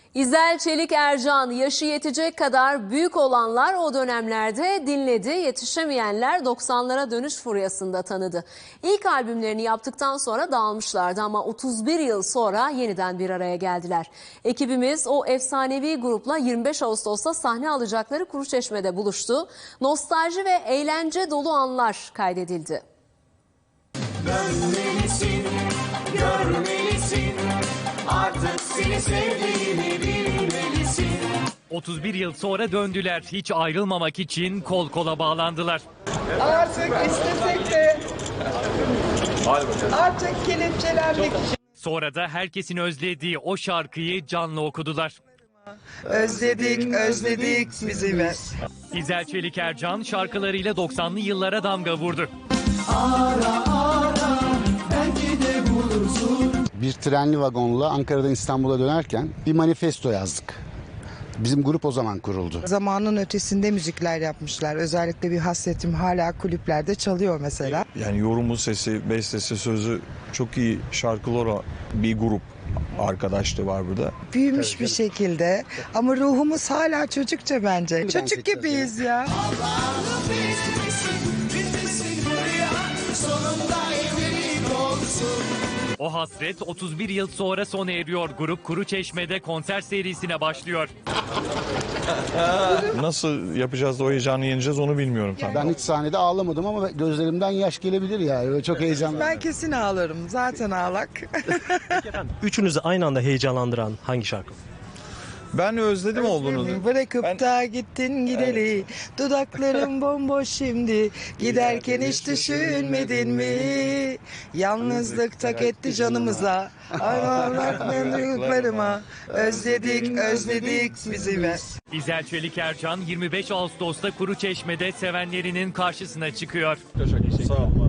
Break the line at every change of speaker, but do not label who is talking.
İzel Çelik Ercan, yaşı yetecek kadar büyük olanlar o dönemlerde dinledi, yetişemeyenler 90'lara dönüş furyasında tanıdı. İlk albümlerini yaptıktan sonra dağılmışlardı ama 31 yıl sonra yeniden bir araya geldiler. Ekibimiz o efsanevi grupla 25 Ağustos'ta sahne alacakları Kuruçeşme'de buluştu. Nostalji ve eğlence dolu anlar kaydedildi.
Dönmelisin, görmelisin, artık seni sevdiğimi bilmelisin.
31 yıl sonra döndüler. Hiç ayrılmamak için kol kola bağlandılar.
Artık istesek de artık kelepçelenmek için.
Sonra da herkesin özlediği o şarkıyı canlı okudular.
Özledik, özledik bizi ver.
İzel Çelik Ercan şarkılarıyla 90'lı yıllara damga vurdu.
Bir trenli vagonla Ankara'dan İstanbul'a dönerken bir manifesto yazdık. Bizim grup o zaman kuruldu.
Zamanın ötesinde müzikler yapmışlar. Özellikle bir hasretim hala kulüplerde çalıyor mesela.
Yani yorumu, sesi, bestesi, sözü çok iyi şarkılar olan bir grup arkadaşlığı var burada.
Büyümüş bir şekilde ama ruhumuz hala çocukça bence. Çocuk gibiyiz ya.
O hasret 31 yıl sonra sona eriyor. Grup Kuruçeşme'de konser serisine başlıyor.
Nasıl yapacağız da o heyecanı yeneceğiz onu bilmiyorum tabii.
Ben hiç sahnede ağlamadım ama gözlerimden yaş gelebilir yani. Öyle çok heyecanlı.
Ben kesin ağlarım. Zaten ağlak.
Üçünüzü aynı anda heyecanlandıran hangi şarkı?
Ben özledim olduğunu.
Bırakıp
Ben-
da gittin gideli. Dudaklarım bomboş şimdi. Giderken hiç düşünmedin mi? Yalnızlık tak etti canımıza. Ayağlarımın duygularıma. Özledik, özledik bizi ver.
İzel Çelik Ercan 25 Ağustos'ta Kuruçeşme'de sevenlerinin karşısına çıkıyor.
Sağ ol.